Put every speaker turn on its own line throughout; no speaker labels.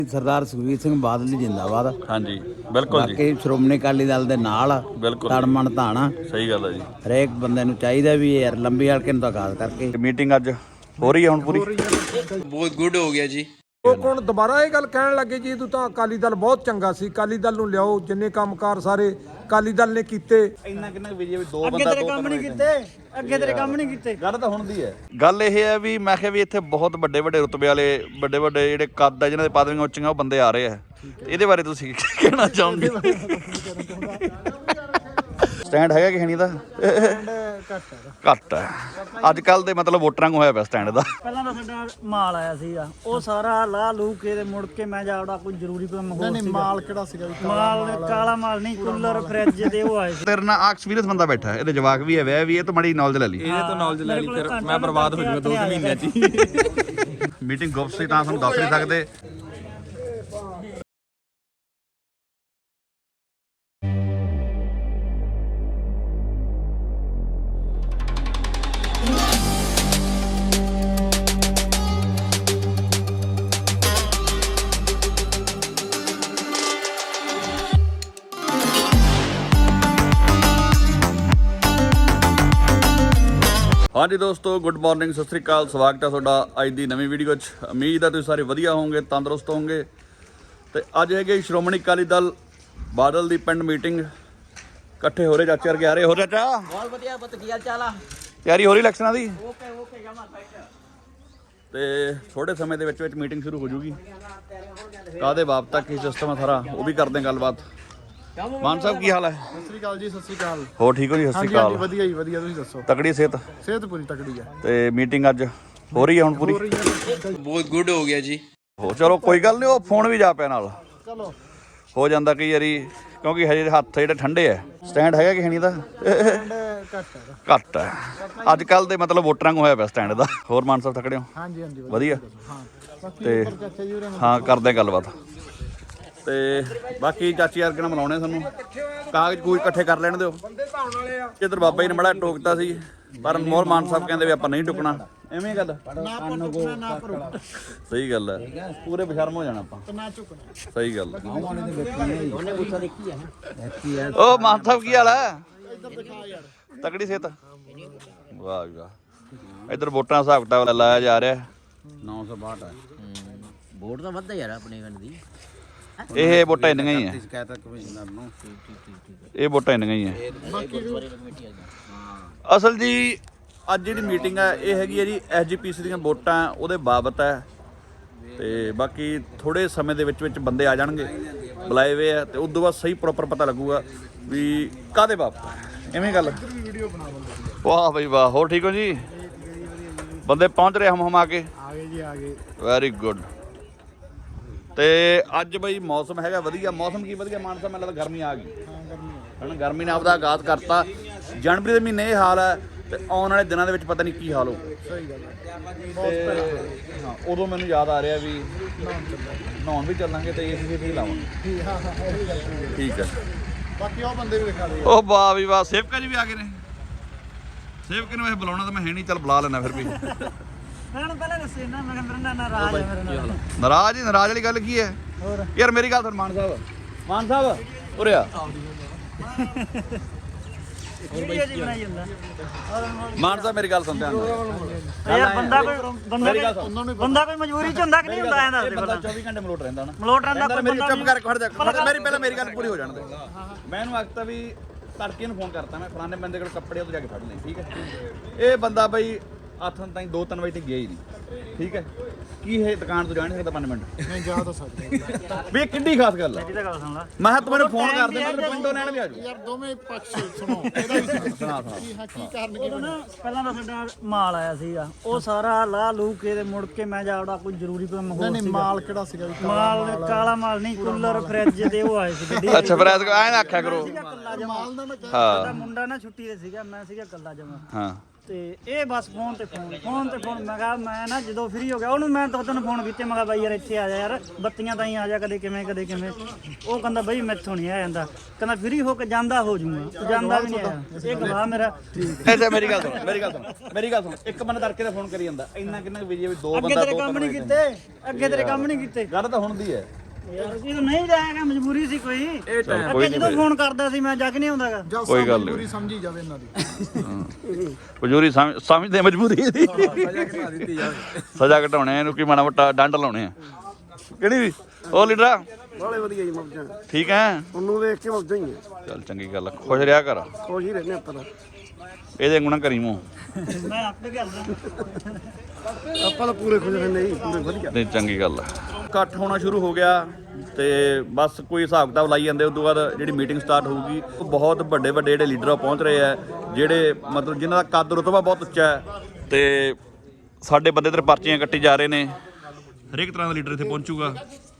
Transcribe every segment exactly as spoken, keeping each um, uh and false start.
ਸਰਦਾਰ ਸੁਖਬੀਰ ਸਿੰਘ ਬਾਦਲ ਜੀ ਜਿੰਦਾਬਾਦ।
ਹਾਂਜੀ ਬਿਲकुल जी।
ਬਾਕੀ ਸ਼੍ਰੋਮਣੀ ਅਕਾਲੀ ਦਲ ਦੇ ਨਾਲ
ਬਿਲਕੁਲ
ਤੜਮਣ ਧਾਣਾ।
ਸਹੀ ਗੱਲ ਹੈ ਜੀ।
ਹਰੇਕ ਬੰਦੇ ਨੂੰ ਚਾਹੀਦਾ ਵੀ ਯਾਰ ਲੰਬੀ ਹਲਕੇ ਨੂੰ ਤਾਂ ਖਾਸ ਕਰਕੇ
ਮੀਟਿੰਗ ਅੱਜ ਹੋ ਰਹੀ ਹੈ ਹੁਣ ਪੂਰੀ।
ਬਹੁਤ ਗੁੱਡ ਹੋ ਗਿਆ ਜੀ।
ਉਹ ਹੁਣ ਦੁਬਾਰਾ ਇਹ ਗੱਲ ਕਹਿਣ ਲੱਗੇ ਜੀ ਤੂੰ ਤਾਂ ਅਕਾਲੀ ਦਲ ਬਹੁਤ ਚੰਗਾ ਸੀ, ਅਕਾਲੀ ਦਲ ਨੂੰ ਲਿਆਓ, ਜਿੰਨੇ ਕੰਮਕਾਰ ਸਾਰੇ ਅਕਾਲੀ ਦਲ ਨੇ ਕੀਤੇ।
ਇੰਨਾ ਕਿੰਨਾ ਵੀ ਦੋ
ਅੱਗੇ ਤੇਰੇ ਕੰਮ ਨਹੀਂ ਕੀਤੇ, ਅੱਗੇ ਤੇਰੇ ਕੰਮ ਨਹੀਂ ਕੀਤੇ।
ਗੱਲ ਤਾਂ ਹੁਣ ਦੀ ਹੈ। ਗੱਲ ਇਹ ਹੈ ਵੀ ਮੈਂ ਕਿਹਾ ਵੀ ਇੱਥੇ ਬਹੁਤ ਵੱਡੇ ਵੱਡੇ ਰੁਤਬੇ ਵਾਲੇ ਵੱਡੇ ਵੱਡੇ ਜਿਹੜੇ ਕੱਦ ਆ ਜਿਨ੍ਹਾਂ ਦੇ ਪਦਵੀਆਂ ਉੱਚੀਆਂ ਉਹ ਬੰਦੇ ਆ ਰਹੇ ਆ। ਇਹਦੇ ਬਾਰੇ ਤੁਸੀਂ ਕੀ ਕਹਿਣਾ ਚਾਹੋਗੇ? ਸਟੈਂਡ ਹੈਗਾ ਕਿ ਨਹੀਂ ਦਾ? ਘੱਟ ਹੈ ਅੱਜ ਕੱਲ ਦੇ ਮਤਲਬ ਵੋਟਰਾਂ ਨੂੰ ਹੋਇਆ ਪਿਆ ਸਟੈਂਡ ਦਾ।
ਪਹਿਲਾਂ ਤਾਂ ਸਾਡਾ ਮਾਲ ਆਇਆ ਸੀਗਾ, ਉਹ ਸਾਰਾ ਲਾਹ ਲੂ ਕੇ ਤੇ ਮੁੜ ਕੇ ਮੈਂ ਜਾਵੜਾ ਕੋਈ ਜ਼ਰੂਰੀ ਕੰਮ ਹੋਰ
ਨਹੀਂ ਮਾਲ ਕਿਹੜਾ ਸੀਗਾ?
ਮਾਲ ਕਾਲਾ ਮਾਲ ਨਹੀਂ, ਕੂਲਰ ਫਰਿੱਜ ਦੇ ਉਹ ਆਏ ਸੀ।
ਤੇਰੇ ਨਾਲ ਐਕਸਪੀਰੀਅੰਸ ਬੰਦਾ ਬੈਠਾ, ਇਹਦੇ ਜਵਾਕ ਵੀ ਹੈ ਵਿਆਹ ਵੀ ਇਹ ਤੋਂ ਮਾੜੀ ਨੌਲੇਜ ਲੈ ਲਈ।
ਇਹਦੇ ਤੋਂ ਨੌਲੇਜ ਲੈ ਲਈ ਫਿਰ ਮੈਂ ਬਰਬਾਦ ਹੋ ਜਾਊਗਾ ਦੋ ਮਹੀਨਿਆਂ 'ਚ ਹੀ।
ਮੀਟਿੰਗ ਗੁਪਤ ਸੀ ਤਾਂ ਤੁਹਾਨੂੰ ਦੱਸ ਨਹੀਂ ਸਕਦੇ। ਹਾਂਜੀ ਦੋਸਤੋ, ਗੁੱਡ ਮਾਰਨਿੰਗ, ਸਤਿ ਸ੍ਰੀ ਅਕਾਲ। ਸਵਾਗਤ ਹੈ ਤੁਹਾਡਾ ਅੱਜ ਦੀ ਨਵੀਂ ਵੀਡੀਓ 'ਚ। ਉਮੀਦ ਹੈ ਤੁਸੀਂ ਸਾਰੇ ਵਧੀਆ ਹੋਵੋਗੇ, ਤੰਦਰੁਸਤ ਹੋਵੋਗੇ। ਤੇ ਅੱਜ ਹੈਗੇ ਸ਼੍ਰੋਮਣੀ ਅਕਾਲੀ ਦਲ ਬਾਦਲ ਦੀ ਪਿੰਡ ਮੀਟਿੰਗ। ਇਕੱਠੇ ਹੋ ਰਹੇ ਚਾਚੇ ਵਰਗੇ ਆ ਰਹੇ। ਹੋ ਚਾਚਾ
ਬਹੁਤ ਵਧੀਆ ਪੁੱਤ, ਕੀ ਹਾਲ ਚਾਲ ਆ?
ਤਿਆਰੀ ਹੋ ਰਹੀ ਇਲੈਕਸ਼ਨਾਂ ਦੀ?
ਓਕੇ ਓਕੇ ਜਮਾ ਫਾਈਟ।
ਤੇ ਥੋੜੇ ਸਮੇਂ ਦੇ ਵਿੱਚ ਵਿੱਚ ਮੀਟਿੰਗ ਸ਼ੁਰੂ ਹੋ ਜੂਗੀ। ਕਾਹਦੇ ਬਾਪ ਤੱਕ ਕੀ ਸਿਸਟਮ ਆ ਸਾਰਾ ਉਹ ਵੀ ਕਰਦੇ ਹਾਂ ਗੱਲਬਾਤ। ਮਾਨ ਸਾਹਿਬ ਕੀ ਹਾਲ ਹੈ?
ਸਤਿ ਸ੍ਰੀ ਅਕਾਲ ਜੀ। ਸਤਿ ਸ੍ਰੀ ਅਕਾਲ।
ਹੋ ਠੀਕ ਹੋ ਜੀ? ਸਤਿ ਸ੍ਰੀ ਅਕਾਲ।
ਵਧੀਆ ਜੀ ਵਧੀਆ, ਤੁਸੀਂ ਦੱਸੋ?
ਤਕੜੀ ਸਿਹਤ?
ਸਿਹਤ ਪੂਰੀ ਤਕੜੀ ਹੈ।
ਤੇ ਮੀਟਿੰਗ ਅੱਜ ਹੋ ਰਹੀ ਹੈ ਹੁਣ ਪੂਰੀ?
ਬਹੁਤ ਗੁੱਡ ਹੋ ਗਿਆ ਜੀ।
ਹੋ ਚਲੋ ਕੋਈ ਗੱਲ ਨਹੀਂ, ਉਹ ਫੋਨ ਵੀ ਜਾ ਪਿਆ ਨਾਲ।
ਚਲੋ
ਹੋ ਜਾਂਦਾ ਕਈ ਵਾਰੀ ਕਿਉਂਕਿ ਹਜੇ ਹੱਥ ਜਿਹੜੇ ਠੰਡੇ ਆ। ਸਟੈਂਡ ਹੈਗਾ ਕਿ ਨਹੀਂ ਦਾ? ਘੱਟ ਹੈ ਅੱਜ ਕੱਲ ਦੇ ਮਤਲਬ ਵੋਟਰਾਂ ਨੂੰ ਹੋਇਆ ਪਿਆ ਸਟੈਂਡ ਦਾ। ਹੋਰ ਮਾਨ ਸਾਹਿਬ ਤਕੜੇ ਹੋ?
ਹਾਂਜੀ ਹਾਂਜੀ
ਵਧੀਆ।
ਹਾਂ
ਤੇ ਹਾਂ ਕਰਦੇ ਹਾਂ ਗੱਲਬਾਤ। ਤੇ ਬਾਕੀ ਚਾਚੀ ਯਾਰ ਕਿਹਨਾਂ ਮਿਲਾਉਣੇ ਸਾਨੂੰ, ਕਾਗਜ਼ ਕੂਜ ਇਕੱਠੇ ਕਰ ਲੈਣ ਦਿਓ। ਇੱਧਰ ਬਾਬਾ ਜੀ ਨੇ ਬੜਾ ਟੋਕਤਾ ਸੀ ਪਰ ਮੋਹਰ ਮਾਨ ਸਾਹਿਬ ਕਹਿੰਦੇ ਵੀ ਆਪਾਂ ਨਹੀਂ ਟੁਕਣਾ। ਐਵੇਂ ਗੱਲ ਸਹੀ ਗੱਲ ਹੈ, ਪੂਰੇ ਬਸ਼ਰਮ ਹੋ ਜਾਣਾ ਆਪਾਂ। ਸਹੀ ਗੱਲ। ਉਹ ਮਾਨ ਸਾਹਿਬ ਕੀ ਹਾਲ ਹੈ? ਤਕੜੀ ਸਿਹਤ? ਵਾਹ ਵਾਹ। ਇੱਧਰ ਵੋਟਾਂ ਦਾ ਹਿਸਾਬ ਕਿਤਾਬ ਲਾਇਆ ਜਾ ਰਿਹਾ।
ਨੌ ਸੌ ਬਾਹਠ ਹੈ
ਵੋਟ ਤਾਂ ਵੱਧਦਾ ਯਾਰ ਆਪਣੇ ਪਿੰਡ ਦੀ।
ਇਹ ਵੋਟਾਂ ਇੰਨੀਆਂ ਹੀ ਹੈ।
ਸ਼ਿਕਾਇਤ ਕਮਿਸ਼ਨਰ ਨੂੰ
ਇਹ ਵੋਟਾਂ ਇੰਨੀਆਂ ਹੀ ਹੈ। ਅਸਲ ਜੀ ਅੱਜ ਜਿਹੜੀ ਮੀਟਿੰਗ ਹੈ ਇਹ ਹੈਗੀ ਹੈ ਜੀ ਐਸ ਜੀ ਪੀ ਸੀ ਦੀਆਂ ਵੋਟਾਂ ਉਹਦੇ ਬਾਬਤ ਹੈ। ਤੇ ਬਾਕੀ ਥੋੜੇ ਸਮੇਂ ਦੇ ਵਿੱਚ ਵਿੱਚ ਬੰਦੇ ਆ ਜਾਣਗੇ ਬੁਲਾਏ ਹੋਏ ਆ ਤੇ ਉਸ ਤੋਂ ਬਾਅਦ ਸਹੀ ਪ੍ਰੋਪਰ ਪਤਾ ਲੱਗੂਗਾ ਵੀ ਕਾਹਦੇ ਬਾਬਤ ਹੈ। ਐਵੇਂ ਗੱਲ। ਵਾਹ ਬਈ ਵਾਹ। ਹੋਰ ਠੀਕ ਹੋ ਜੀ? ਬੰਦੇ ਪਹੁੰਚ ਰਹੇ ਹਮ ਹਮ ਆ ਕੇ?
ਆ ਗਏ ਜੀ ਆ ਗਏ।
Very good. ਤੇ ਅੱਜ ਬਈ ਮੌਸਮ ਹੈਗਾ ਵਧੀਆ। ਮੌਸਮ ਕੀ ਵਧੀਆ ਮਾਨ ਸਾਹਿਬ, ਮੈਨੂੰ ਲੱਗਦਾ ਗਰਮੀ ਆ ਗਈ। ਹੁਣ ਗਰਮੀ ਨੇ ਆਪਦਾ ਆਗਾਜ਼ ਕਰਤਾ। ਜਨਵਰੀ ਦੇ ਮਹੀਨੇ ਇਹ ਹਾਲ ਹੈ ਤੇ ਆਉਣ ਵਾਲੇ ਦਿਨਾਂ ਦੇ ਵਿੱਚ ਪਤਾ ਨਹੀਂ ਕੀ ਹਾਲ ਹੋਊ।
ਸਹੀ ਗੱਲ
ਤੇ ਹਾਂ ਉਦੋਂ ਮੈਨੂੰ ਯਾਦ ਆ ਰਿਹਾ ਵੀ ਨਹਾਉਣ ਵੀ ਚੱਲਾਂਗੇ ਤੇ ਏਸੀ ਵੀ ਲਾਵਾਂਗੇ। ਠੀਕ ਹੈ।
ਬਾਕੀ ਉਹ ਬੰਦੇ ਵੀ ਦਿਖਾ ਦੇ।
ਉਹ ਵਾਹ ਵੀ ਵਾਹ। ਸੇਵਕਾ ਜੀ ਵੀ ਆ ਗਏ ਨੇ। ਸੇਵਕ ਨੂੰ ਵੈਸੇ ਬੁਲਾਉਣਾ ਤਾਂ ਮੈਂ ਹੈ ਨਹੀਂ, ਚੱਲ ਬੁਲਾ ਲੈਣਾ ਫਿਰ ਵੀ।
ਮੈਂ ਪਹਿਲਾਂ ਦੱਸੇ ਨਾ, ਮੈਂ ਮੇਰੇ ਨਾਲ ਨਾਰਾਜ਼ ਹੈ ਮੇਰੇ ਨਾਲ।
ਨਾਰਾਜ਼ ਹੀ ਨਾਰਾਜ਼ ਵਾਲੀ ਗੱਲ ਕੀ ਹੈ ਯਾਰ? ਮੇਰੀ ਗੱਲ ਸੁਣ ਮਾਨ ਸਾਹਿਬ। ਮਾਨ ਸਾਹਿਬ ਉਰੇ ਆ।
ਵੀਡੀਓ ਜੀ ਬਣਾਈ ਜਾਂਦਾ
ਮਾਨ ਸਾਹਿਬ ਮੇਰੀ ਗੱਲ ਸੁਣ ਧਿਆਨ ਨਾਲ।
ਯਾਰ। ਬੰਦਾ ਕੋਈ ਬੰਦਾ ਕੋਈ ਬੰਦਾ ਕੋਈ ਮਜਬੂਰੀ 'ਚ ਹੁੰਦਾ ਕਿ ਨਹੀਂ ਹੁੰਦਾ? ਐਂ ਦੱਸ ਦੇ
ਬੰਦਾ
ਪਹਿਲਾਂ।
ਚੌਵੀ ਘੰਟੇ ਮਲੋਟ ਰਹਿੰਦਾ ਨਾ।
ਮਲੋਟ ਰਹਿੰਦਾ ਕੋਈ
ਮੇਰੀ
ਬੰਦਾ
ਚੁੱਪ ਕਰ ਖੜ ਜਾ ਖੜ ਜਾ। ਮੇਰੀ ਪਹਿਲਾਂ ਮੇਰੀ ਗੱਲ ਪੂਰੀ ਹੋ ਜਾਣ ਦੇ। ਮੈਂ ਇਹਨੂੰ ਆਖਤਾ ਵੀ ਤੜਕੇ ਨੂੰ ਫੋਨ ਕਰਤਾ ਮੈਂ, ਫਲਾਣੇ ਬੰਦੇ ਕੋਲ ਕੱਪੜੇ ਉਹ ਜਾ ਕੇ ਫੜ ਲੈ। ਠੀਕ ਹੈ। ਇਹ ਬੰਦਾ ਬਈ ਹੱਥਾਂ ਤਾਈਂ ਦੋ ਤਿੰਨ ਵਜੇ ਤੱਕ ਗਿਆ ਹੀ ਨਹੀਂ। ਠੀਕ ਹੈ। ਕੀ ਇਹ ਦੁਕਾਨ ਤੋਂ ਜਾ ਨਹੀਂ ਸਕਦਾ ਪੰਜ ਮਿੰਟ?
ਨਹੀਂ ਜਾ ਤਾਂ ਸਕਦੇ
ਵੀ ਇਹ ਕਿੰਨੀ ਖਾਸ ਗੱਲ ਹੈ।
ਮੇਰੀ ਤਾਂ ਗੱਲ ਸੁਣ ਲੈ।
ਮੈਂ ਕਿਹਾ ਤੂੰ ਮੈਨੂੰ ਫੋਨ ਕਰ ਦੇ, ਮੈਂ ਪਿੰਡੋਂ ਲੈਣ ਵੀ ਆ ਜਾਊ।
ਯਾਰ ਦੋਵੇਂ ਪੱਖ ਸੁਣੋ। ਇਹਦਾ ਵੀ
ਸੁਣਾ ਸੁਣਾ।
ਕੀ ਹਾਂ ਕੀ ਕਰਨਗੇ?
ਉਦੋਂ ਨਾ ਪਹਿਲਾਂ ਤਾਂ ਸਾਡਾ ਮਾਲ ਆਇਆ ਸੀਗਾ, ਉਹ ਸਾਰਾ ਲਾਹ ਲੂ ਕੇ ਤੇ ਮੁੜ ਕੇ ਮੈਂ ਜਾਵੜਾ ਕੋਈ ਜ਼ਰੂਰੀ ਕੰਮ ਹੋਰ
ਨਹੀਂ ਮਾਲ ਕਿਹੜਾ ਸੀਗਾ?
ਮਾਲ ਕਾਲਾ ਮਾਲ ਨਹੀਂ, ਕੂਲਰ ਫਰਿੱਜ ਦੇ ਉਹ ਆਏ ਸੀ ਗੱਡੀ।
ਅੱਛਾ ਫਰੈਸ ਐਂ ਨਾ ਆਖਿਆ ਕਰੋ।
ਕੱਲਾ ਜਮਾ।
ਮਾਲ ਦਾ ਮੈਂ
ਸਾਡਾ ਮੁੰਡਾ ਨਾ ਛੁੱਟੀ ਤੇ ਸੀਗਾ, ਮੈਂ ਸੀਗਾ ਕੱਲਾ ਜਮਾ।
ਹਾਂ
ਤੇ ਇਹ ਬਸ ਫੋਨ ਤੇ ਫੋਨ ਫੋਨ ਤੇ ਫੋਨ ਮੈਂ ਕਿਹਾ ਮੈਂ ਨਾ ਜਦੋਂ ਫ੍ਰੀ ਹੋ ਗਿਆ ਉਹਨੂੰ ਮੈਂ ਦੋ ਤਿੰਨ ਫੋਨ ਕੀਤੇ। ਮੈਂ ਕਿਹਾ ਬਾਈ ਯਾਰ ਇੱਥੇ ਆ ਜਾ ਯਾਰ, ਬੱਤੀਆਂ ਤਾਂ ਹੀ ਆ ਜਾ, ਕਦੇ ਕਿਵੇਂ ਕਦੇ ਕਿਵੇਂ। ਉਹ ਕਹਿੰਦਾ ਬਈ ਮੈਥੋਂ ਨਹੀਂ ਆ ਜਾਂਦਾ, ਕਹਿੰਦਾ ਫ੍ਰੀ ਹੋ ਕੇ ਜਾਂਦਾ ਹੋ ਜੂਗਾ, ਜਾਂਦਾ ਵੀ ਨਹੀਂ ਆਇਆ। ਇਹ ਗਵਾਹ ਮੇਰਾ।
ਅੱਛਾ ਮੇਰੀ ਗੱਲ ਸੁਣ ਮੇਰੀ ਗੱਲ ਸੁਣ ਮੇਰੀ ਗੱਲ ਸੁਣ ਇੱਕ ਬੰਦਾ ਤੜਕੇ ਦਾ ਫੋਨ ਕਰੀ ਜਾਂਦਾ, ਇੰਨਾ ਕਿੰਨਾ ਵੀ ਵੀ ਦੋ
ਅੱਗੇ
ਬੰਦਾ
ਤੇਰੇ ਕੰਮ ਨਹੀਂ ਕੀਤੇ, ਅੱਗੇ ਤੇਰੇ ਕੰਮ ਨਹੀਂ ਕੀਤੇ।
ਗੱਲ ਤਾਂ ਹੁਣ ਦੀ ਹੈ
ਯਾਰ ਜੀ ਤਾਂ ਨਹੀਂ ਜਾਏਗਾ, ਮਜਬੂਰੀ ਸੀ ਕੋਈ।
ਕੋਈ
ਅੱਗੇ ਜਦੋਂ ਫੋਨ ਕਰਦਾ ਸੀ ਮੈਂ ਜੱਗ ਨਹੀਂ ਆਉਂਦਾਗਾ।
ਕੋਈ ਗੱਲ ਨਹੀਂ,
ਸਮਝੀ ਜਾਵੇ ਇਹਨਾਂ ਦੀ।
ਮਜਬੂਰੀ ਸਮਝਦੇ ਮਜਬੂਰੀ ਦੀ ਸਜ਼ਾ ਘਟਾਉਣੇ ਇਹਨੂੰ ਕੀ ਮਾੜਾ ਮੋਟਾ ਡੰਡ ਲਾਉਣੇ ਆ ਕਿਹੜੀ ਵੀ। ਉਹ ਲੀਡਰਾ
ਬਾਲੇ ਵਧੀਆ ਜੀ ਮੌਜਾਂ
ਠੀਕ ਹੈ,
ਉਹਨੂੰ ਦੇਖ ਕੇ ਮੌਜਾਂ ਹੀ ਆ।
ਚੱਲ ਚੰਗੀ ਗੱਲ ਆ, ਖੁਸ਼ ਰਿਹਾ ਕਰ,
ਖੁਸ਼ ਹੀ ਰਹਿੰਦੇ ਆਪਾਂ ਤਾਂ।
ਇਹਦੇ ਗੁਣਾ ਕਰੀ ਮੂੰਹ।
ਮੈਂ ਆਪੇ ਕਰਦਾ।
ਆਪਾਂ ਤਾਂ ਪੂਰੇ ਖੁਸ਼ ਰਹਿੰਦੇ ਜੀ, ਪੂਰੇ ਵਧੀਆ।
ਨਹੀਂ ਚੰਗੀ ਗੱਲ ਆ। ਇਕੱਠ ਹੋਣਾ ਸ਼ੁਰੂ ਹੋ ਗਿਆ ਤੇ ਬਸ ਕੋਈ ਹਿਸਾਬ ਕਿਤਾਬ ਲਾਈ ਜਾਂਦੇ। ਉਸ ਤੋਂ ਬਾਅਦ ਜਿਹੜੀ ਮੀਟਿੰਗ ਸਟਾਰਟ ਹੋਊਗੀ, ਉਹ ਬਹੁਤ ਵੱਡੇ ਵੱਡੇ ਜਿਹੜੇ ਲੀਡਰ ਪਹੁੰਚ ਰਹੇ ਆ, ਜਿਹੜੇ ਮਤਲਬ ਜਿਨ੍ਹਾਂ ਦਾ ਕੱਦ ਰੁਤਬਾ ਬਹੁਤ ਉੱਚਾ ਹੈ ਤੇ ਸਾਡੇ ਬੰਦੇ ਤੇ ਪਰਚੀਆਂ ਕੱਟੀ ਜਾ ਰਹੇ ਨੇ। ਹਰੇਕ ਤਰ੍ਹਾਂ ਦਾ ਲੀਡਰ ਇੱਥੇ ਪਹੁੰਚੂਗਾ।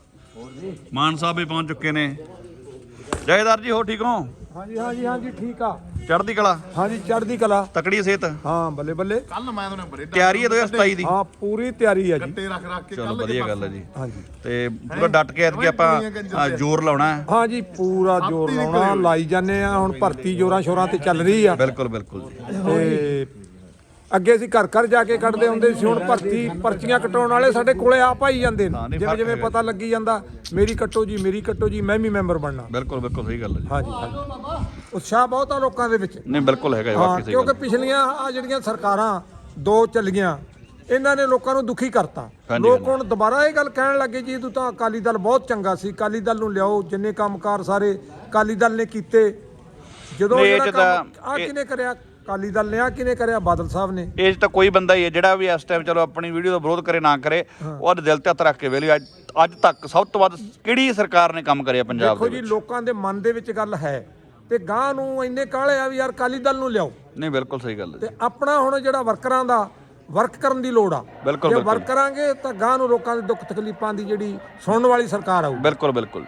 ਮਾਨ ਸਾਹਿਬ ਵੀ ਪਹੁੰਚ ਚੁੱਕੇ ਨੇ। ਜਥੇਦਾਰ ਜੀ ਹੋ ਠੀਕ ਹੋ?
ਹਾਂਜੀ ਹਾਂਜੀ ਹਾਂਜੀ ਠੀਕ ਆ।
ਚੜ੍ਹਦੀ ਕਲਾ?
ਹਾਂਜੀ ਚੜ੍ਹਦੀ ਕਲਾ।
ਤਕੜੀ ਸਿਹਤ?
ਹਾਂ ਬੱਲੇ ਬੱਲੇ।
ਤਿਆਰੀ ਹੈ ਦੋ ਹਜ਼ਾਰ ਸਤਾਈ ਦੀ?
ਹਾਂ ਪੂਰੀ ਤਿਆਰੀ ਆ ਜੀ।
ਚਲੋ ਵਧੀਆ ਗੱਲ ਹੈ ਜੀ।
ਹਾਂਜੀ
ਤੇ ਪੂਰਾ ਡਟ ਕੇ ਐਤਕੀ ਆਪਾਂ ਅ, ਜ਼ੋਰ ਲਾਉਣਾ ਹੈ।
ਹਾਂਜੀ ਪੂਰਾ ਜ਼ੋਰ ਲਾਉਣਾ, ਲਾਈ ਜਾਂਦੇ ਆ। ਹੁਣ ਭਰਤੀ ਜ਼ੋਰਾਂ ਸ਼ੋਰਾਂ ਤੇ ਚੱਲ ਰਹੀ ਆ।
ਬਿਲਕੁਲ ਬਿਲਕੁਲ ਜੀ।
ਤੇ ਅੱਗੇ ਅਸੀਂ ਘਰ ਘਰ ਜਾ ਕੇ ਕੱਢਦੇ ਹੁੰਦੇ ਸੀ, ਹੁਣ ਭਰਤੀ ਪਰਚੀਆਂ ਕਟਾਉਣ ਵਾਲੇ ਸਾਡੇ ਕੋਲੇ ਆਪ ਆਈ ਜਾਂਦੇ ਨੇ। ਜਿਵੇਂ ਜਿਵੇਂ ਪਤਾ ਲੱਗੀ ਜਾਂਦਾ, ਮੇਰੀ ਕੱਟੋ ਜੀ ਮੇਰੀ ਕੱਟੋ ਜੀ, ਮੈਂ ਵੀ ਮੈਂਬਰ ਬਣਨਾ।
ਬਿਲਕੁਲ ਬਿਲਕੁਲ ਸਹੀ ਗੱਲ ਹੈ ਜੀ।
ਹਾਂਜੀ ਹਾਂਜੀ ਉਤਸ਼ਾਹ ਬਹੁਤ ਆ ਲੋਕਾਂ ਦੇ ਵਿੱਚ।
ਨਹੀਂ ਬਿਲਕੁਲ ਹੈਗਾ ਜੀ,
ਹਾਂ
ਵਾਕਈ ਸਹੀ
ਕਿਉਂਕਿ
ਗੱਲ।
ਪਿਛਲੀਆਂ ਆ ਜਿਹੜੀਆਂ ਸਰਕਾਰਾਂ ਦੋ ਚੱਲੀਆਂ, ਇਹਨਾਂ ਨੇ ਲੋਕਾਂ ਨੂੰ ਦੁਖੀ ਕਰਤਾ।
ਹਾਂਜੀ,
ਲੋਕ
ਹਾਂਜੀ।
ਹੁਣ ਦੁਬਾਰਾ ਇਹ ਗੱਲ ਕਹਿਣ ਲੱਗੇ ਜੀ ਤੂੰ ਤਾਂ ਅਕਾਲੀ ਦਲ ਬਹੁਤ ਚੰਗਾ ਸੀ, ਅਕਾਲੀ ਦਲ ਨੂੰ ਲਿਆਓ, ਜਿੰਨੇ ਕੰਮਕਾਰ ਸਾਰੇ ਅਕਾਲੀ ਦਲ ਨੇ ਕੀਤੇ। ਜਦੋਂ
ਨਹੀਂ, ਇਹ
ਜਿਹੜਾ
ਚ ਤਾਂ-
ਕੰਮ ਆ ਕਿਹਨੇ ਕਰਿਆ? ਅਕਾਲੀ ਦਲ ਨੇ। ਆ ਕਿਹਨੇ ਕਰਿਆ? ਬਾਦਲ ਸਾਹਿਬ ਨੇ।
ਇਹ 'ਚ ਤਾਂ ਕੋਈ ਬੰਦਾ ਹੀ ਹੈ ਜਿਹੜਾ ਵੀ ਇਸ ਟਾਈਮ ਚਲੋ ਆਪਣੀ ਵੀਡੀਓ ਦਾ ਵਿਰੋਧ ਕਰੇ ਨਾ ਕਰੇ, ਉਹ ਉਹਦੇ ਦਿਲ ਤੇ ਹੱਥ ਰੱਖ ਕੇ ਵੇਲੇ ਅੱਜ ਅੱਜ ਤੱਕ ਸਭ ਤੋਂ ਵੱਧ ਕਿਹੜੀ ਸਰਕਾਰ ਨੇ ਕੰਮ ਕਰਿਆ ਪੰਜਾਬ
ਦੇਖੋ
ਦੇ
ਜੀ
ਵਿੱਚ?
ਲੋਕਾਂ ਦੇ ਮਨ ਦੇ ਵਿੱਚ ਗੱਲ ਹੈ ਤੇ ਗਾਂ ਨੂੰ ਇੰਨੇ ਕਾਹਲੇ ਆ ਵੀ ਯਾਰ ਅਕਾਲੀ ਦਲ ਨੂੰ ਲਿਆਓ।
ਨਹੀਂ ਬਿਲਕੁਲ ਸਹੀ ਗੱਲ ਹੈ
ਤੇ
ਜੀ।
ਆਪਣਾ ਹੁਣ ਜਿਹੜਾ ਵਰਕਰਾਂ ਦਾ ਵਰਕ ਕਰਨ ਦੀ ਲੋੜ ਆ।
ਬਿਲਕੁਲ,
ਜੇ
ਬਿਲਕੁਲ।
ਵਰਕ ਕਰਾਂਗੇ ਤਾਂ ਗਾਂ ਨੂੰ ਲੋਕਾਂ ਦੇ ਦੁੱਖ ਤਕਲੀਫਾਂ ਦੀ ਜਿਹੜੀ ਸੁਣਨ ਵਾਲੀ ਸਰਕਾਰ ਆਊ।
ਬਿਲਕੁਲ ਬਿਲਕੁਲ।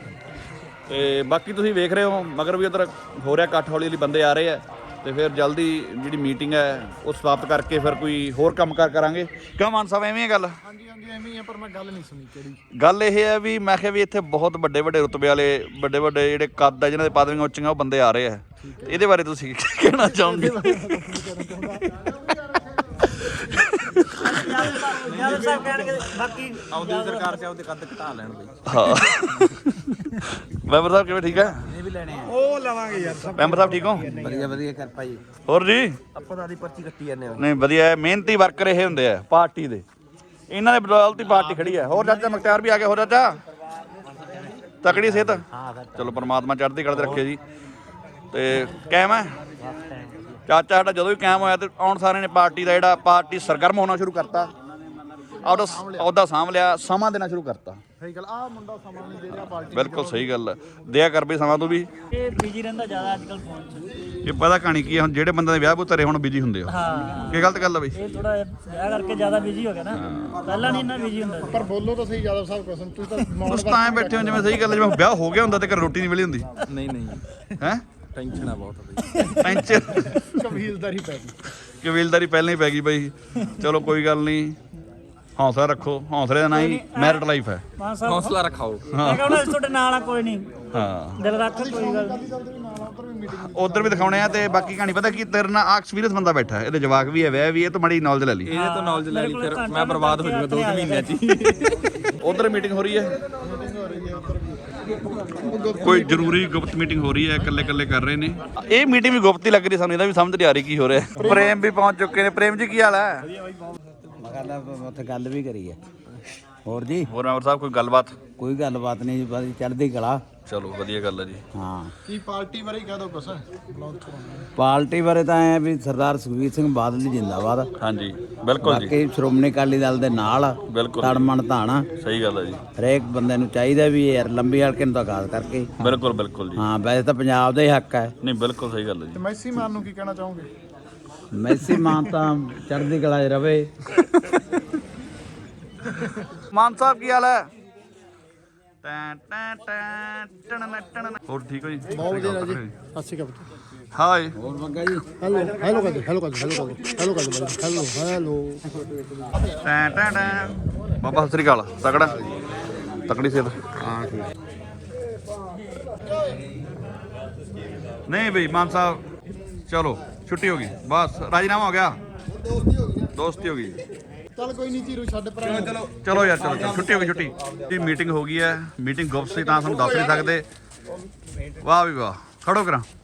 ਤੇ ਬਾਕੀ ਤੁਸੀਂ ਵੇਖ ਰਹੇ ਹੋ ਮਗਰ ਵੀ ਉਧਰ ਹੋ ਰਿਹਾ ਇਕੱਠ, ਹੌਲੀ ਹੌਲੀ ਬੰਦੇ ਆ ਰਹੇ ਆ ਤੇ ਫਿਰ ਜਲਦੀ ਜਿਹੜੀ ਮੀਟਿੰਗ ਹੈ ਉਹ ਸਮਾਪਤ ਕਰਕੇ ਫਿਰ ਕੋਈ ਹੋਰ ਕੰਮਕਾਰ ਕਰਾਂਗੇ। ਕਿਉਂ ਮਾਨ ਸਾਹਿਬ ਐਵੇਂ ਹੈ ਗੱਲ?
ਹਾਂਜੀ ਹਾਂਜੀ ਐਵੇਂ ਹੀ ਆ, ਪਰ ਮੈਂ ਗੱਲ ਨਹੀਂ ਸੁਣੀ ਕਿਹੜੀ
ਗੱਲ ਇਹ ਹੈ ਵੀ ਮੈਂ ਕਿਹਾ ਵੀ ਇੱਥੇ ਬਹੁਤ ਵੱਡੇ ਵੱਡੇ ਰੁਤਬੇ ਵਾਲੇ ਵੱਡੇ ਵੱਡੇ ਜਿਹੜੇ ਕੱਦ ਆ, ਜਿਨ੍ਹਾਂ ਦੇ ਪਦਵੀਆਂ ਉੱਚੀਆਂ, ਉਹ ਬੰਦੇ ਆ ਰਹੇ ਆ। ਇਹਦੇ ਬਾਰੇ ਤੁਸੀਂ ਕੀ ਕਹਿਣਾ ਚਾਹੋਗੇ?
ਯਾਰ ਸਾਹਿਬ ਕਹਿਣਗੇ ਬਾਕੀ
ਆਉਂਦੀ ਸਰਕਾਰ ਚ ਉਹਦੇ ਕੱਦ ਘਟਾ ਲੈਣ ਬਈ।
ਹਾਂ ਮੈਂਬਰ ਸਾਹਿਬ ਕਿਵੇਂ? ਠੀਕ ਹੈ?
ਇਹ ਵੀ ਲੈਣੇ ਆ।
ਉਹ ਲਵਾਂਗੇ ਯਾਰ ਸਭ।
ਮੈਂਬਰ ਸਾਹਿਬ ਠੀਕ ਹੋ?
ਵਧੀਆ ਵਧੀਆ ਕਿਰਪਾ ਜੀ।
ਹੋਰ ਜੀ?
ਆਪਾਂ ਤਾਂ ਆਦੀ ਪਰਚੀ ਕੱਟੀ ਜਾਂਦੇ ਆ।
ਨਹੀਂ ਵਧੀਆ ਹੈ, ਮਿਹਨਤੀ ਵਰਕਰ ਇਹ ਹੁੰਦੇ ਆ ਪਾਰਟੀ ਦੇ। ਇਹਨਾਂ ਦੇ ਬਦੌਲਤ ਹੀ ਪਾਰਟੀ ਖੜੀ ਹੈ। ਹੋਰ ਚਾਚਾ ਮੁਖਤਿਆਰ ਵੀ ਆ ਗਿਆ। ਹੋਰ ਚਾਚਾ ਤਕੜੀ ਸਿਹਤ? ਚਲੋ ਪਰਮਾਤਮਾ ਚੜ੍ਹਦੀ ਕਲਾ ਤੇ ਰੱਖੇ ਜੀ। ਤੇ ਕਾਇਮ ਹੈ ਚਾਚਾ ਸਾਡਾ, ਜਦੋਂ ਵੀ ਕਾਇਮ ਹੋਇਆ ਤੇ ਆਉਣ ਸਾਰਿਆਂ ਨੇ ਪਾਰਟੀ ਦਾ ਜਿਹੜਾ ਪਾਰਟੀ ਸਰਗਰਮ ਹੋਣਾ ਸ਼ੁਰੂ ਕਰਤਾ, ਆਪਦਾ ਅਹੁਦਾ ਸਾਂਭ ਲਿਆ, ਸਮਾਂ ਦੇਣਾ ਸ਼ੁਰੂ ਕਰਤਾ।
ਸਹੀ ਗੱਲ। ਆ ਮੁੰਡਾ ਸਮਾਂ ਨਹੀਂ ਦੇ ਰਿਹਾ ਪਾਰਟੀ।
ਬਿਲਕੁਲ ਸਹੀ ਗੱਲ ਹੈ, ਦਿਆ ਕਰ ਬਈ ਸਮਾਂ ਤੂੰ ਵੀ।
ਇਹ ਬਿਜੀ ਰਹਿੰਦਾ ਜ਼ਿਆਦਾ ਅੱਜ ਕੱਲ ਫੋਨ 'ਚ।
ਇਹ ਪਤਾ ਕਹਾਣੀ ਕੀ ਹੈ, ਹੁਣ ਜਿਹੜੇ ਬੰਦੇ ਦੇ ਵਿਆਹ ਬੁੱਤਰੇ ਹੁਣ ਬਿਜੀ ਹੁੰਦੇ ਆ।
ਹਾਂ
ਕੀ ਗਲਤ ਗੱਲ ਆ ਬਈ?
ਇਹ ਥੋੜਾ ਵਿਆਹ ਕਰਕੇ ਜ਼ਿਆਦਾ ਬਿਜੀ ਹੋ ਗਿਆ ਨਾ, ਪਹਿਲਾਂ ਨਹੀਂ ਇੰਨਾ ਬਿਜੀ ਹੁੰਦਾ ਸੀ।
ਪਰ ਬੋਲੋ ਤਾਂ ਸਹੀ ਯਾਦਵ ਸਾਹਿਬ ਕਸਮ, ਤੂੰ ਤਾਂ
ਤੁਸੀਂ ਤਾਂ ਐਂ ਬੈਠੇ ਹੋ ਜਿਵੇਂ ਸਹੀ ਗੱਲ ਹੈ, ਜਿਵੇਂ ਵਿਆਹ ਹੋ ਗਿਆ ਹੁੰਦਾ ਤੇ ਘਰ ਰੋਟੀ ਨਹੀਂ ਮਿਲੀ ਹੁੰਦੀ।
ਨਹੀਂ ਨਹੀਂ
ਹੈ
ਟੈਨਸ਼ਨ ਆ ਬਹੁਤ ਬਈ।
ਟੈਂਸ਼ਨ
ਕਬੀਲਦਾਰੀ ਪੈ ਗਈ।
ਕਬੀਲਦਾਰੀ ਪਹਿਲਾਂ ਹੀ ਪੈ ਗਈ ਬਈ। ਚਲੋ ਕੋਈ ਗੱਲ ਨਹੀਂ, ਹੌਸਲਾ ਰੱਖੋ। ਹੌਸਲੇ ਦਾ ਨਾਂ ਹੀ ਮੈਰਿਟ ਲਾਈਫ ਹੈ।
ਮਾਨ ਸਾਹਿਬ
ਹੌਸਲਾ ਰੱਖਾਓ।
ਮੈਂ ਕਹਿੰਦਾ ਤੁਹਾਡੇ ਨਾਲ ਆ, ਕੋਈ ਨਹੀਂ,
ਹਾਂ
ਦਿਲ ਰੱਖ, ਕੋਈ ਗੱਲ ਨਹੀਂ।
ਉਧਰ ਵੀ ਦਿਖਾਉਣੇ ਆ। ਤੇ ਬਾਕੀ ਕਹਾਣੀ ਪਤਾ ਕੀ, ਤੇਰੇ ਨਾਲ ਆ ਐਕਸਪੀਰੀਅੰਸ ਬੰਦਾ ਬੈਠਾ ਹੈ, ਇਹਦੇ ਜਵਾਕ ਵੀ ਹੈ, ਵਿਆਹ ਵੀ, ਇਹ ਤੋਂ ਮਾੜੀ ਨੌਲੇਜ ਲੈ ਲਈ।
ਇਹਦੇ ਤੋਂ ਨੌਲੇਜ ਲੈ ਲਈ, ਫਿਰ ਮੈਂ ਬਰਬਾਦ ਹੋ ਜਾਊਗਾ ਦੋ ਮਹੀਨਿਆਂ ਚ ਹੀ।
ਉਧਰ ਮੀਟਿੰਗ ਹੋ ਰਹੀ ਹੈ, ਕੋਈ ਜ਼ਰੂਰੀ ਗੁਪਤ ਮੀਟਿੰਗ ਹੋ ਰਹੀ ਹੈ, ਇਕੱਲੇ ਇਕੱਲੇ ਕਰ ਰਹੇ ਨੇ। ਇਹ ਮੀਟਿੰਗ ਵੀ ਗੁਪਤ ਹੀ ਲੱਗ ਰਹੀ ਸਾਨੂੰ, ਇਹਦਾ ਵੀ ਸਮਝ ਨਹੀਂ ਆ ਰਹੀ ਕੀ ਹੋ ਰਿਹਾ। ਪ੍ਰੇਮ ਵੀ ਪਹੁੰਚ ਚੁੱਕੇ ਨੇ। ਪ੍ਰੇਮ ਜੀ ਕੀ ਹਾਲ ਹੈ?
ਮੈਂ ਉੱਥੇ ਗੱਲ ਵੀ ਕਰੀ ਹੈ। ਹੋਰ ਜੀ?
ਹੋਰ ਮੈਂਬਰ ਸਾਹਿਬ ਕੋਈ ਗੱਲਬਾਤ?
ਕੋਈ ਗੱਲਬਾਤ ਨਹੀਂ ਜੀ, ਬਸ ਚੜ੍ਹਦੀ ਕਲਾ।
ਚਲੋ ਵਧੀਆ ਗੱਲ ਹੈ ਜੀ।
ਹਾਂ
ਕੀ ਪਾਰਟੀ ਬਾਰੇ ਕਹਿ ਦੋ ਕੁਛ?
ਪਾਰਟੀ ਬਾਰੇ ਤਾਂ ਐ ਵੀ ਸਰਦਾਰ ਸੁਖਬੀਰ ਸਿੰਘ ਬਾਦਲ ਜੀ ਜਿੰਦਾਬਾਦ।
ਹਾਂਜੀ ਬਿਲਕੁਲ ਜੀ।
ਬਾਕੀ ਸ਼੍ਰੋਮਣੀ ਅਕਾਲੀ ਦਲ ਦੇ ਨਾਲ ਆ,
ਬਿਲਕੁਲ
ਤੜਮਣ ਧਾਣਾ।
ਸਹੀ ਗੱਲ ਹੈ ਜੀ।
ਹਰੇਕ ਬੰਦੇ ਨੂੰ ਚਾਹੀਦਾ ਵੀ ਯਾਰ ਲੰਬੀ ਹਲਕੇ ਨੂੰ ਤਾਂ ਖਾਸ ਕਰਕੇ।
ਬਿਲਕੁਲ ਬਿਲਕੁਲ ਜੀ।
ਹਾਂ ਵੈਸੇ ਤਾਂ ਪੰਜਾਬ ਦਾ ਹੀ ਹੱਕ ਹੈ।
ਨਹੀਂ ਬਿਲਕੁਲ ਸਹੀ ਗੱਲ ਹੈ ਜੀ।
ਮੈਸੀ ਮਾਨ ਨੂੰ ਕੀ ਕਹਿਣਾ ਚਾਹੋਗੇ?
ਮੈਸੀ ਮਾਨ ਤਾਂ ਚੜ੍ਹਦੀ ਕਲਾ 'ਚ ਰਵੇ।
ਮਾਨ ਸਾਹਿਬ ਕੀ ਹਾਲ ਹੈ? ਟੈਂ ਟੈਂ ਟੈਂ ਟਣ ਟਣ। ਹੋਰ ਠੀਕ ਹੋ ਜੀ?
ਬਹੁਤ ਵਧੀਆ ਜੀ। ਸਤਿ ਸ਼੍ਰੀ ਅਕਾਲ।
ਹਾਏ
ਹੋਰ ਮੰਗਾ ਜੀ
ਹੈਲੋ ਹੈਲੋ ਕਰ ਹੈਲੋ ਕਰ ਹੈਲੋ ਕਰ ਹੈਲੋ ਕਰ ਹੈਲੋ ਹੈਲੋ
ਟੈਂ ਟੈਂ ਟੈਂ। ਬਾਬਾ ਸਤਿ ਸ੍ਰੀ ਅਕਾਲ। ਤਕੜਾ ਤਕੜੀ ਸਿਹਤ।
ਹਾਂ ਠੀਕ।
ਨਹੀਂ ਬਈ ਮਾਨ ਸਾਹਿਬ ਚਲੋ ਛੁੱਟੀ ਹੋ ਗਈ ਬਸ ਰਾਜੀਨਾਮਾ ਹੋ ਗਿਆ ਦੋਸਤੀ ਹੋ ਗਈ
ਚੱਲ ਕੋਈ ਨਹੀਂ ਚੀਰੂ ਛੱਡ ਪਰਾਂ।
ਚਲੋ ਚਲੋ ਯਾਰ ਚਲੋ ਚਲੋ ਛੁੱਟੀ ਹੋ ਗਈ ਛੁੱਟੀ ਦੀ ਮੀਟਿੰਗ ਹੋ ਗਈ ਹੈ ਮੀਟਿੰਗ ਗੁਪਤ ਸੀ ਤਾਂ ਤੁਹਾਨੂੰ ਦੱਸ ਨਹੀਂ ਸਕਦੇ ਵਾਹ ਵੀ ਵਾਹ ਖੜੋ ਕਰਾਂ